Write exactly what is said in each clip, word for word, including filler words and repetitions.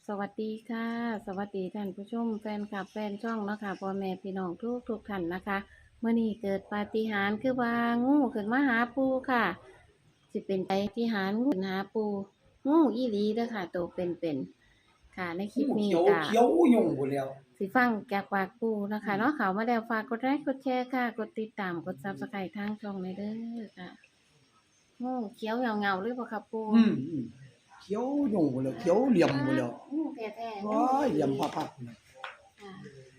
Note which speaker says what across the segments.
Speaker 1: สวัสดีค่ะสวัสดีท่านผู้ชมแฟนคลับแฟนช่องเนาะค่ะพ่อแม่พี่น้องทุกทุกท่านนะคะเมื่อนี้เกิดปาฏิหาริย์คือว่างูขึ้นมาหาปูค่ะสิเป็นปาฏิหาริย์งูขึ้นหาปูงูอีหลีเด้อค่ะโตวเป็นๆค่ะในคลิป
Speaker 2: งู
Speaker 1: นี้
Speaker 2: เขียว
Speaker 1: ก็
Speaker 2: เขียวยุ่งพู้นแหล้ว
Speaker 1: สิฟังจากปากปูนะคะเนาะเขามาแล้วฝากกดไลค์กดแชร์ค่ะกดติดตามกด ซับสไครบ์ ทางช่องในเด้อค่ะงูเขียวเหงาๆหรือเปล่าครับปู
Speaker 2: อืมอืมเขียวยุ่งพู้นแหล้วเขียวเหลี่ยมพู้นแหล้ว
Speaker 1: งูแท้ๆ
Speaker 2: โอ้ยเหลี่ยมพับๆพู้นแหล้ว
Speaker 1: ค่ะ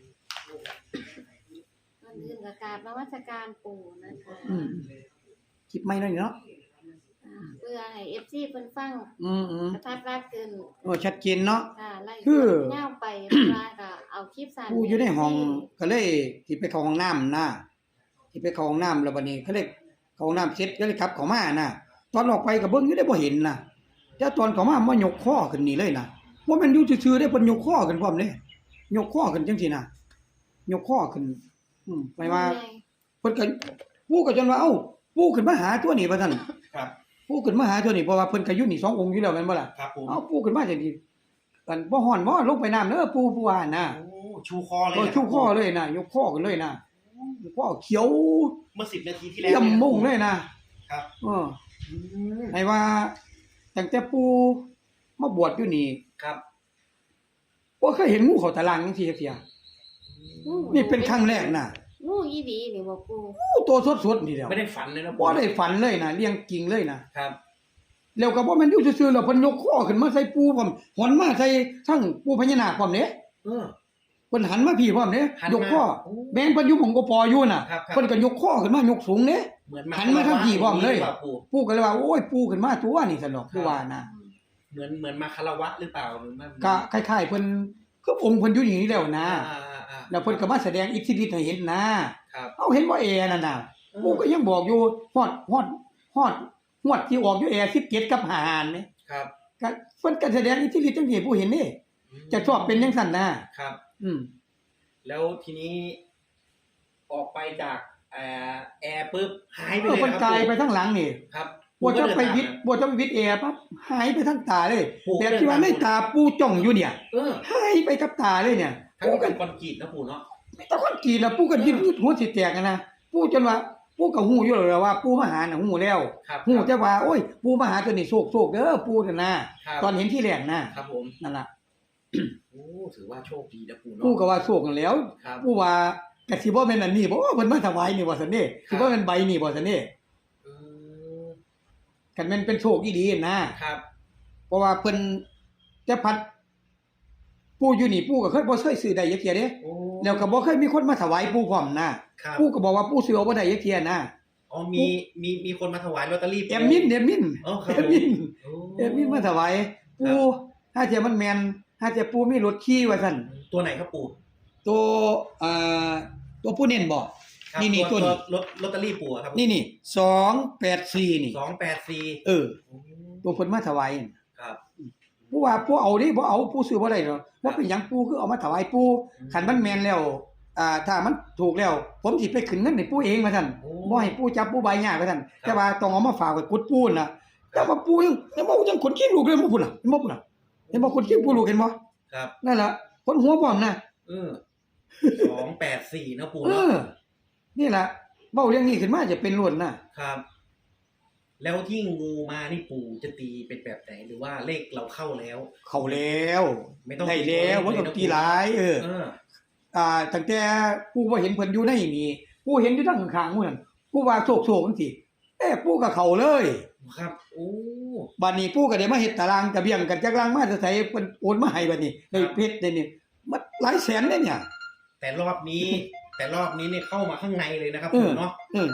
Speaker 1: ก่อนอื่นก็กราบนมัสการปู่นะคะ
Speaker 2: อืมคลิปใหม่หน่อยเนาะ
Speaker 1: อ่าเพื่อให้ เอฟ ซี เพิ่นฟัง
Speaker 2: อืม
Speaker 1: กระทัดรัดขึ้น
Speaker 2: ๆโอ้ชัดเจนเนาะ
Speaker 1: ค่ะไล่
Speaker 2: คือ
Speaker 1: ยาวไปเวลาก็เอาคลิปสั้น
Speaker 2: ผู้อยู่ในห้อง
Speaker 1: ให้
Speaker 2: ก็เลยสิไปเข้าห้องน้ำนะสิไปเข้าห้องน้ำแล้วบัดนี้เขาเลยเข้าห้องน้ำเสร็จก็เลยกลับเข้ามานะตอนออกไปก็เบิ่งอยู่ได้บ่เห็นนะแต่ตอนเข้ามามายกคอขึ้นนี่เลยนะบ่แม่นอยู่ซื่อๆได้เพิ่นยกคอขึ้นพร้อมเด้ยกคอขึ้นจังซี่นะยกคอขึ้นอืมหมายว่า เพิ่นก็ปู่ก็จนว่าเอ้าปู่ขึ้นมาหาตัวนี้ว่าซั่น
Speaker 3: ครับ
Speaker 2: ปู่ขึ้นมาหาตัวนี้เพราะว่าเพิ่นก็อยู่นี่สององค์อยู่แล้วแม่นบ่ล่ะ
Speaker 3: ครับผม
Speaker 2: เอ้าปู่ขึ้นมาจังซี่กันบ่ฮ้อนบ่ลงไปน้ำเด้อปู่ปู่ว่าน่ะ
Speaker 3: โอ้ชูคอเลย
Speaker 2: เออ
Speaker 3: นะ
Speaker 2: ชูคอเลยน่ะยกคอขึ้นเลยน่ะยกคอเขียว
Speaker 3: เมื่อสิบนาทีที่แล้
Speaker 2: เยี่
Speaker 3: วย
Speaker 2: มมุ่งเลยนะครับ เออ
Speaker 3: อืม
Speaker 2: ให้ว่าตั้งแต่ปู่มาบวชอยู่นี่
Speaker 3: ครับ
Speaker 2: บ่เคยเห็นงูเข้าตารางจังซี่จักเที่ย
Speaker 1: งู
Speaker 2: นี่เป็นครั้งแรกน่ะ
Speaker 1: งูอีหลีนี่บ่ปู่
Speaker 2: งูตัวสดๆนี่แหล้ว
Speaker 3: ไม่ได้ฝันเลยนะ
Speaker 2: บ่ได้ฝันเลยน่ะเลี้ยงจริงเลยน่ะ
Speaker 3: ครับ
Speaker 2: แล้วก็บ่แม่นอยู่ซื่อๆแล้วเพิ่นยกคอขึ้นมาใส่ปูพร้อมหอนมาใส่ทั้งปูพญานาคพร้อมเด้
Speaker 3: เออ
Speaker 2: เพิ่นหันมาพี่พร้อมเด้
Speaker 3: หันมาย
Speaker 2: กคอ
Speaker 3: โอ้
Speaker 2: แม่งเพิ่นอยู่หม่องกปออยู่น่ะ
Speaker 3: ครับครับ
Speaker 2: เพิ่นก็ยกคอขึ้นมายกสูงเด้
Speaker 3: เหมือน
Speaker 2: หันมาทางพี่พร้อมเลย
Speaker 3: หรือปาปู่
Speaker 2: ปู่ก็เลยว่าโอ้ยปู่ขึ้นมาตัวนี่ซั่นดอกคือว่านะ
Speaker 3: เหมือนเหมือนมาคารวะหรือเปล่าหรือไม่
Speaker 2: ก็คล้ายๆเพิ่นคือองค์เพิ่นอยู่อย่างนี้แล้วนะ
Speaker 3: อ่าอ่าอ่า
Speaker 2: แล้วเพิ่นก็มาแสดงอิทธิฤทธิ์ให้เห็นนะครับ เอาเห็นบ่แอนั่นน่ะปู่ก็ยังบอกอยู่ฮอดฮอดฮอดฮอดที่ออกอยู่แอสิบเจ็ดกับห้าหานนี่
Speaker 3: ครับ
Speaker 2: ก็เพิ่นก็แสดงอิทธิฤทธิ์จังซี่ผู้เห็นนี่จะชอบเป็นจังซั่นนะครับ อืม
Speaker 3: แล้วทีนี้ ออกไปจากแอร์แอร์ปุ๊บหายไป
Speaker 2: เอ
Speaker 3: เล
Speaker 2: อย เพิ่น
Speaker 3: นะค
Speaker 2: กา
Speaker 3: รับ
Speaker 2: ยไปทางหลังนี่
Speaker 3: ครับ
Speaker 2: บ่จะไปวิทย์บ่จะไปวิทย์แอร์ปั๊บหายไปทางตาเลยแบบที่ว่าในตาปู่จ้องอยู่เนี่ย
Speaker 3: เออ
Speaker 2: หายไปกับตาเลยเนี่ย
Speaker 3: ทั้ง
Speaker 2: ปู่
Speaker 3: เป็
Speaker 2: ก็
Speaker 3: นคอนกรีตนะปู่เนาะ
Speaker 2: ตะคนกีน่ะปู่ก็ยิ้มหัวสิแตกอะนะปู่จนว่าปู่ก็ฮู้อยู่แล้วว่าปู่มาหาน่ะฮู้แล้ว
Speaker 3: ครับ
Speaker 2: ฮู้แต่ว่าโอ้ยปู่มาหาตัวนี้โชคๆเด้อปู่น่ะนะครับ ตอนเห็นที่แรกนะครับ
Speaker 3: ผม
Speaker 2: นั่นล่ะ
Speaker 3: โอ้ถือว่าโชคดีนะปู่เนาะ
Speaker 2: ปู่ก็ว่าโชคนั่นแหล้ว
Speaker 3: ครับ
Speaker 2: ปู่ว่าก็สิบ่แม่นอันนี้บ่เพิ่นมาถวายนี่บ่ซั่นเด้สิบ่แม่นใบนี่บ่ซั่นเด้
Speaker 3: อืม
Speaker 2: คันแม่นเป็นโชคอีหลีนะครับ เพราะว่าเพิ่นแต่พัดปู่อยู่นี่ปู่ก็เคยบ่เคยซื้อได้จักเที่ยเด้
Speaker 3: โอ้
Speaker 2: แล้วก็บ่เคยมีคนมาถวายปู่พร้อมนะครับ ปู่ก็บอกว่าปู่ซื้อเอาบ่ได้จักเที่ยนะ
Speaker 3: อ๋อมีมีมีคนมาถวายลอตเตอรี่
Speaker 2: แอมมินแอมมิน
Speaker 3: อ๋อครับ
Speaker 2: แอมมิน
Speaker 3: โอ้
Speaker 2: แอมมินมาถวายปู่ถ้าเทียมันแม่นถ้าเทียปู่มีรถขี่ว่าซั่น
Speaker 3: ตัวไหนครับปู่
Speaker 2: ตัวเอ่อตัวผู้เน้นบ่
Speaker 3: ครับ
Speaker 2: นี่ๆ
Speaker 3: ตัว
Speaker 2: ตัวนี้
Speaker 3: ลอตลอตเตอรี่ปู่อะครับ
Speaker 2: นี่นี่สองแปดสี่นี่
Speaker 3: สองแปดสี่
Speaker 2: เออ
Speaker 3: โอ้
Speaker 2: ตัวเพิ่นมาถวายนั่น
Speaker 3: ครับ
Speaker 2: ผู้ว่าผู้เอาดิบ่เอาผู้ซื้อบ่ได้ดอกว่าเป็นหยังปู่คือเอามาถวายปู่
Speaker 3: อืม
Speaker 2: คันมันแม่นแล้วอ่าถ้ามันถูกแล้ว ผมสิไปขึ้นเงินให้ปู่เองว่าซั่น
Speaker 3: โอ้
Speaker 2: บ่ให้ปู่จับปู่ใบยากว่าซั่น
Speaker 3: ครับ
Speaker 2: แต่ว่าต้องเอามาฝากไว้กุดปู่น่ะแต่ว่าปู่ยังยังบ่ยังคนขี้ลูกเลยบ่พุ่นน่ะเห็นบ่พุ่นน่ะเห็นบ่คนขี้ปู่ลูกเห็นบ่
Speaker 3: ครับ
Speaker 2: นั่นล่ะคนหัวพร้อมน่ะ
Speaker 3: เออสองแปดสี่นะปู่
Speaker 2: เอ
Speaker 3: เนาะ
Speaker 2: อนี่ล่ะเว้าเรื่องนี้ขึ้นมาจะเป็นล้วนน่ะ
Speaker 3: ครับ แล้วที่งูมานี่ปู่จะตีเป็นแบบไหนหรือว่าเลขเราเข้าแล้ว
Speaker 2: เข้าแล้ว
Speaker 3: ไม่ต้อง
Speaker 2: ได้แล้วบ่ต้องตีหลายเออ
Speaker 3: เออ
Speaker 2: อ่าตั้งแต่ปู่บ่เห็นเพิ่นอยู่ในนี่ปู่เห็นอยู่ทางข้างๆหมู่นั่นปู่ว่าโชคๆจังซี่เอ้ปู่ก็เข้าเลย
Speaker 3: ครับโอ้
Speaker 2: บัดนี้ปู่ก็ได้มาเฮ็ดตารางกระเบียงกันจักลังมาจะใส่เพิ่นโอนมาให้บัดนี้ได้เพชรได้นี่มันหลายแสนเด้เนี่ย
Speaker 3: แต่รอบนี้ แต่รอบนี้เนี่ยเข้ามาข้างในเลยนะครับ
Speaker 2: เอ
Speaker 3: ปู่
Speaker 2: อ
Speaker 3: เนาะ
Speaker 2: เออ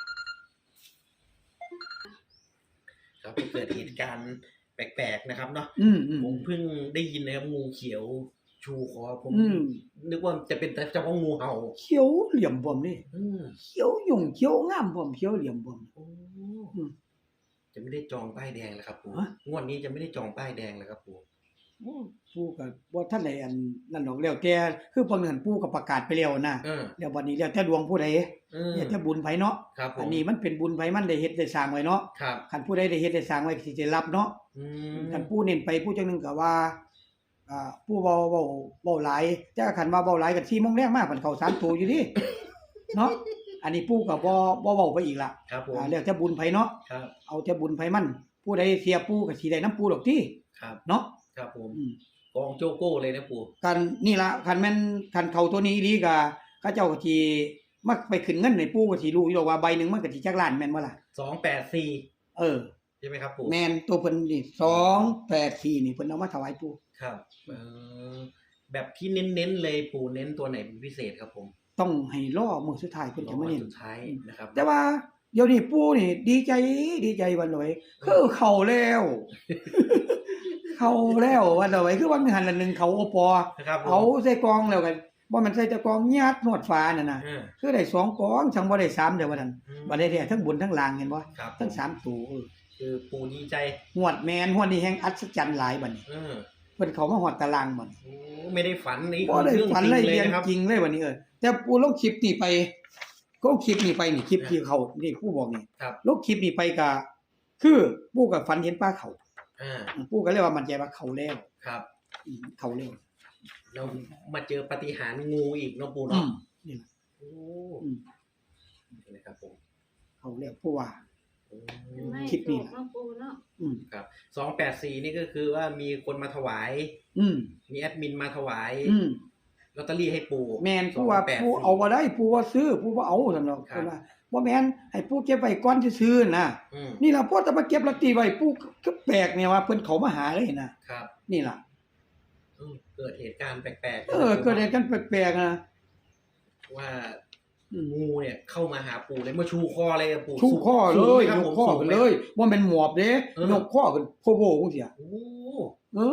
Speaker 3: ครับเกิดเหตุการณ์แปลกๆนะครับเนาะ
Speaker 2: อืมอืม
Speaker 3: ผมเพิ่งได้ยินนะครับงูเขียวชูคอผม
Speaker 2: อืม
Speaker 3: นึกว่าจะเป็นเฉพาะงูเห่า
Speaker 2: เขียวเหลี่ยมบ่มนี่
Speaker 3: อืม
Speaker 2: เขียวยุ่งเขียวงามบ่มเขียวเหลี่ยมบ่ม
Speaker 3: โอ้
Speaker 2: อืม
Speaker 3: จะไม่ได้จองป้ายแดงแล้วครับปู่
Speaker 2: ฮะ
Speaker 3: งวดนี้จะไม่ได้จองป้ายแดงแล้วครับปู่
Speaker 2: โอ้ปู่ก็บ่ทันได้อันนั่นดอกแล้วแต่คือเพิ่นนั่นปู่ก็ประกาศไปแล้วนะ
Speaker 3: เออ
Speaker 2: แล้วบัดนี้แล้วแต่ดวงผู้ใด
Speaker 3: เออ
Speaker 2: แล้วแต่บุญไผเนาะ
Speaker 3: ครับผม
Speaker 2: อันนี้มันเป็นบุญไผมันได้เฮ็ดได้สร้างไว้เนาะ
Speaker 3: ครับ
Speaker 2: คันผู้ใดได้เฮ็ดได้สร้างไว้ก็สิได้รับเนาะ
Speaker 3: อืม
Speaker 2: คันผู้เน้นไปผู้จังหนึงก็ว่าอ่าผู้เว้าเว้าเว้าหลายแต่คันว่าเว้าหลายก็สี่โมงแลงมาเพิ่นเข้าสามตัวอยู่ดิเนาะอันนี้ปู่ก็บ่บ่เว้าไปอีกล่ะ
Speaker 3: ครับผม
Speaker 2: อ่าแล้วแต่บุญไผเนาะ
Speaker 3: ครับ
Speaker 2: เอาแต่บุญไผมันผู้ใดเสียปู่ก็สิได้นํปู่ดอกติ
Speaker 3: ครับ
Speaker 2: เนาะ
Speaker 3: ครับผม
Speaker 2: อืม
Speaker 3: กองโจโก้เลยนะปู่
Speaker 2: กันนี่ล่ะคันแม่นคันเข้าตัวนี้อีหลีก็เขาเจ้าก็สิมาไปขึ้นเงินให้ปู่ก็สิรู้อยู่ดอกว่าใบหนึงมันก็สิจักล้านแม่นบ่ล่ะ
Speaker 3: สองแปดสี่
Speaker 2: เออ
Speaker 3: ใช่ไหมครับปู่
Speaker 2: แม่นตัวเพิ่นนี่สองแปดสี่นี่เพิ่นเอามาถวายปู่
Speaker 3: ครับเออแบบที่เน้นๆเลยปู่เน้นตัวไหนเป็นพิเศษครับผม
Speaker 2: ต้องให้รอมื้อสุดท้ายเพิ่น
Speaker 3: รอ
Speaker 2: จะมา
Speaker 3: วัน
Speaker 2: เน้น
Speaker 3: สุดท้ายนะครับ
Speaker 2: แต่ว่าเดี๋ยวนี้ปู่นี่ดีใจดีใจวันลอยคือเข้าแล้ว เข้าแล้ววันลอยคือว่ามีหันละหนึงเขาโอปอ
Speaker 3: นะครับผม
Speaker 2: เอาใส่กองแล้วกันบ่มันใส่แต่กองยัดนวดฟ้านั่นน่ะ
Speaker 3: เออ
Speaker 2: คือได้สองกองจังบ่ได้สามเด้อว่าซั่น
Speaker 3: อืม
Speaker 2: บ่ได้แท้ทั้งบนทั้งล่างเห็นบ่
Speaker 3: ครับ
Speaker 2: ทั้งสามตัวเออ
Speaker 3: คือปู่ดีใจ
Speaker 2: หวดแม่นหวดนี่แฮงอัศจรรย์หลายบัดนี้
Speaker 3: เออ
Speaker 2: เพิ่นเข้ามาฮอดตารางบัด
Speaker 3: โอ้ไม่ได้ฝันนี่
Speaker 2: บ่ได้
Speaker 3: เรื่อง
Speaker 2: ฝัน
Speaker 3: จริง
Speaker 2: เลย
Speaker 3: เลย
Speaker 2: เรียน
Speaker 3: นะครับ
Speaker 2: จริงเลยบัดนี้เออแต่ปู่ลงคลิปนี่ไปก็คลิปนี่ไปนี่คลิปที่เขานี่ปู่บอกนี่
Speaker 3: ครับ
Speaker 2: ลงคลิปนี่ไปก็คือปู่ก็ฝันเห็นปลาเขา
Speaker 3: อ่า
Speaker 2: ปู่ก็เลยว่ามันใจว่าเขาแล้ว
Speaker 3: ครับ
Speaker 2: อืมเขาแล้ว
Speaker 3: เรามาเจอปาฏิหาริย์งูอีกเนาะปู่
Speaker 2: อื
Speaker 3: เนาะ
Speaker 2: มนี่ล่ะ
Speaker 3: โอ้
Speaker 2: อืม
Speaker 3: นี่นะครับผม
Speaker 2: เขาแล้วปู่ว่า
Speaker 3: โอ้
Speaker 1: ไม่
Speaker 2: คิดนี่
Speaker 1: ถูกเนาะปูเนาะ
Speaker 2: อืม
Speaker 3: ครับสองแปดสี่นี่ก็คือว่ามีคนมาถวาย
Speaker 2: อืม
Speaker 3: มีแอดมินมาถวาย
Speaker 2: อืม
Speaker 3: ลอตเตอรี่ให้ปู่
Speaker 2: แม่นปู่ว่า
Speaker 3: สองแปดสี่
Speaker 2: ปู่เอาบ่ได้ปู่ว่าซื้อปู่บ่เอาซั่นเนาะ
Speaker 3: ครับ
Speaker 2: เพิ่นว่าบ่แม่นให้ปู่เก็บไว้ก่อนซื่อๆน่ะ
Speaker 3: อืม
Speaker 2: นี่ล่ะพอจะมาเก็บลอตเตอรี่ไว้ปู่ก็แปลกเนี่ยว่าเพิ่นเขามาหาเลยนะครับ นี่ล่ะ
Speaker 3: อืมเกิดเหตุการณ์แปลกๆ
Speaker 2: เออเกิดอะไรกันแปลกๆนะ
Speaker 3: ว่า
Speaker 2: อืม
Speaker 3: งูเนี่ยเข้ามาหาปู่เลยมาชูคอเลยอะปู่
Speaker 2: ชูข้อเล
Speaker 3: สูง
Speaker 2: ย
Speaker 3: ไหมครับ
Speaker 2: ยก
Speaker 3: ผม
Speaker 2: ข้อ
Speaker 3: สูง
Speaker 2: ขึ้น
Speaker 3: ไหม
Speaker 2: เลยบ่แม่นหมอบเด้
Speaker 3: เออ
Speaker 2: ยกข้อขึ้นโพโบจังซี่
Speaker 3: โอ้
Speaker 2: เออ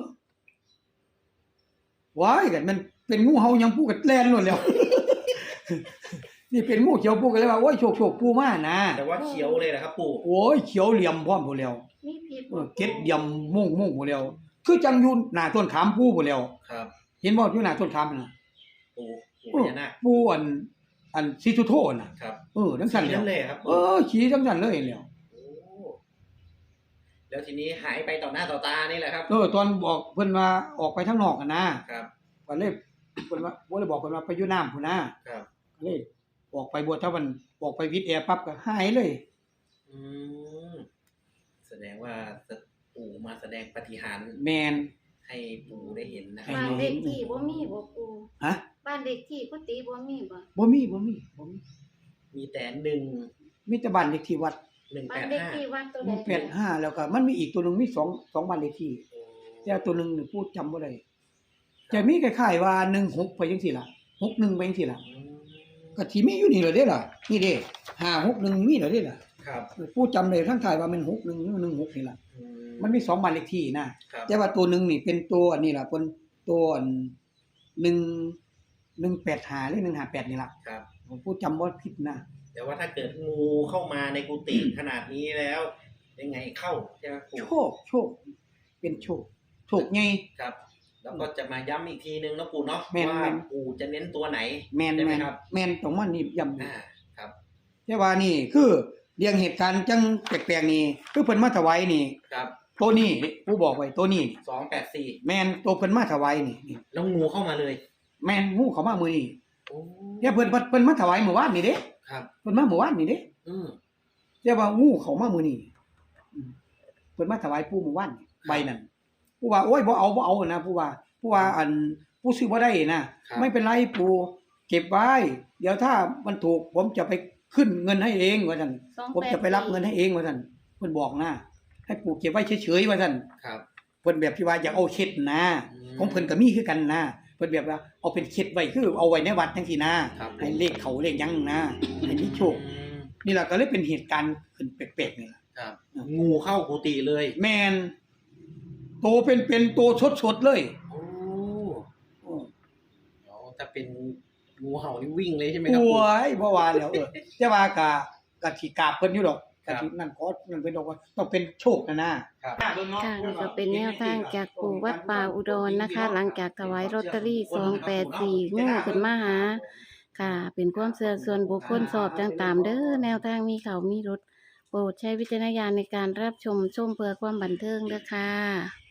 Speaker 2: ว้ายกันมันเป็นงูเห่ายังปู่ก็แล่นโลดแล้ว นี่เป็นงูเขียวปู่ก็เลยว่าโอ้ยโชคๆปู่มานะ
Speaker 3: แต่ว่าเขียวเลยนะครับปู่
Speaker 2: โอ้ยเขียวเหลี่ยมพร้อมพุ่นแล้ว
Speaker 1: มีผิด
Speaker 2: เออเก็ดเหลี่ยมม่วงๆพุ่นแล้ว คือจังอยู่หน้าต้นขามปู่พุ่นแล้ว
Speaker 3: ครับ
Speaker 2: เห็นบ่อยู่หน้าต้นขามนั่นน่ะ
Speaker 3: ปู่ปู่
Speaker 2: เอ
Speaker 3: พ
Speaker 2: อ
Speaker 3: ญานาค
Speaker 2: ปู่อันอันสิทุโทน่ะ
Speaker 3: ครับ
Speaker 2: เออจังซั่น
Speaker 3: สี
Speaker 2: แล้
Speaker 3: นั่
Speaker 2: วน
Speaker 3: เลยครับ
Speaker 2: เออขี่จังซั่นเลยแล้ว
Speaker 3: โอ้แล้วทีนี้หายไปต่อหน้าต่อตานี่แหละครับ
Speaker 2: เออตอนบอกเพิ่นว่าออกไปทางนอกกันนะครับ ก็เลยเพิ่นว่าบ่ได้บอกเพิ่นว่าไปอยู่น้ำพุ่นนะครับ ก็เลยออกไปบัวถ้ามันออกไปวิทย์แอร์ปั๊บก็หายเลย
Speaker 3: อืมแสดงว่าปู่มาแสดงปาฏิหาริย์
Speaker 2: แมน
Speaker 3: ให้ปู่ได้เห็นนะค
Speaker 2: ให้
Speaker 3: รับ
Speaker 1: บ้านเด็กที่บ่มีบ่ปู
Speaker 2: ฮะ
Speaker 1: บ้านเด็กที่กุฏิบ่มีบ่
Speaker 2: บ่มีบ่มีบ่มี
Speaker 3: มีแต่หนึ่ง
Speaker 2: มีแต่บ้านเลขที่วัด
Speaker 3: หนึ่ง
Speaker 1: บ้า
Speaker 3: แป
Speaker 1: น
Speaker 3: ด
Speaker 1: เด็ก
Speaker 3: ห้า
Speaker 1: ที่วัดตัว
Speaker 2: ห
Speaker 1: ใด
Speaker 2: นึ่งแปดห้าแล้วก็มันมีอีกตัวหนึงมีสองสองบ้านเลขที่แต่ตัวหนึงนี่พูดจำบ่ได้จะมีคล้ายๆว่าหนึ่งหกไปจังซี่ล่ะหกหนึ่งไปจังซี่ล่ะก็สิมีอยู่นี่ล่ะเด้ล่ะนี่เด้ห้าหกหนึ่งมีแล้วเด้ล่ะ
Speaker 3: ครับ
Speaker 2: พูดจำได้ทั้งท้ายว่ามันหกหนึ่งหรือหนึ่งหกนี่ล่ะ
Speaker 3: อื
Speaker 2: มันมีสองบ้านเลขที่นะ
Speaker 3: ครับ
Speaker 2: แต่ว่าตัวหนึ่งนี่เป็นตัวอันนี้ล่ะเป็นตัวอันหนึ่งหนึ่งแปดห้าหรือหนึ่งห้าแปดนี่ล่ะ
Speaker 3: ครับ
Speaker 2: ผมพูดจำบ่ผิดนะ
Speaker 3: แต่ว่าถ้าเกิดงูเข้ามาในกุฏิขนาดนี้แล้ว ยังไงเข้าใช่ไหมปู่
Speaker 2: โชคโชค เป็นโชคโชคไง
Speaker 3: ครับ แล้วก็จะมาย้ำอีกทีนึงนะปู่เนาะ
Speaker 2: แม่น
Speaker 3: ว่า
Speaker 2: แม่น
Speaker 3: ปู่จะเน้นตัวไหน
Speaker 2: แม่น
Speaker 3: ได้ไหม
Speaker 2: แม่น
Speaker 3: ครับ
Speaker 2: แม่นต้องมานี่ย้ำ
Speaker 3: อ่าครับ
Speaker 2: แต่ว่านี่คือเรื่องเหตุการณ์จังแปลกๆนี่คือเพิ่นมาถวายนี่
Speaker 3: ครับ
Speaker 2: ตัวนี้ผู้บอกไว้ตัวนี้
Speaker 3: สองแปดสี่
Speaker 2: แม่นตัวเพิ่นมาถวายนี่นี่
Speaker 3: แล้วงูเข้ามาเลย
Speaker 2: แม่นงูเข้ามามื้อนี้
Speaker 3: โอ้
Speaker 2: แต่เพิ่นเพิ่นมาถวายเมื่อวานนี่เด้
Speaker 3: ครับ
Speaker 2: เพิ่นมาเมื่อวานนี่เด้
Speaker 3: อืม
Speaker 2: แต่ว่างูเข้ามามื้อนี้อืมเพิ่นมาถวายปู่เมื่อวานนี่ใบนั้นผู้ว่าโอ้ยบ่เอาบ่เอานะผู้ว่าผู้ว่าอันผู้ซื้อบ่ได้นะครับ ไม่เป็นไรปู่เก็บไว้ เดี๋ยวถ้ามันถูกผมจะไปขึ้นเงินให้เองว่าซั่น
Speaker 1: สองแปด
Speaker 2: ผมจะไปรับเงินให้เองว่าซั่นเพิ่นบอกนะให้ปู่เก็บไว้เฉยๆว่าซั่น
Speaker 3: ครับ
Speaker 2: เพิ่นแบบที่ว่าอยากเอาเช็ดนะ
Speaker 3: อืม
Speaker 2: ของเพิ่นก็มีคือกันนะเพิ่นแบบว่าเอาเป็นเช็ดไว้คือเอาไว้ในวัดจังซี่นะครับ ให้เลขเขาเลขหยังนะให้มีโชค
Speaker 3: อืม
Speaker 2: นี่ล่ะก็เลยเป็นเหตุการณ์ขึ้นแปลกๆนี่ล่ะ
Speaker 3: ครับ
Speaker 2: อืม
Speaker 3: งูเข้ากุฏิเลย
Speaker 2: แม่นโตเป็นๆโตสดๆเลย
Speaker 3: โอ้
Speaker 2: โอ้
Speaker 3: เดี๋ยวถ้าเป็นงูเห่านี่วิ่งเลยใช่ไหม
Speaker 2: โ
Speaker 3: ครับปู่
Speaker 2: อ้ยบ่ว่าแล้วเออแต่ว่าก็ก็สิกราบเพิ่นอยู่ดอก
Speaker 3: ครั
Speaker 2: ก็
Speaker 3: บ
Speaker 2: สินั่นขอนั่นเพิ่นบอกว่าต้องเป็นโชคนะนะครับ
Speaker 1: ค่ะนี่ก็เป็นแนวทางจากปู่วัดป่าอุดรนะคะ หลังจากถวายลอตเตอรี่สองแปดสี่งูขึ้นมาหา ค่ะ เป็นความเชื่อส่วนบุคคลสอบจังตามเด้อแนวทางมีเขามีรถโปรดใช้วิจารณญาณในการรับชมชมเพื่อความบันเทิงเด้อค่ะ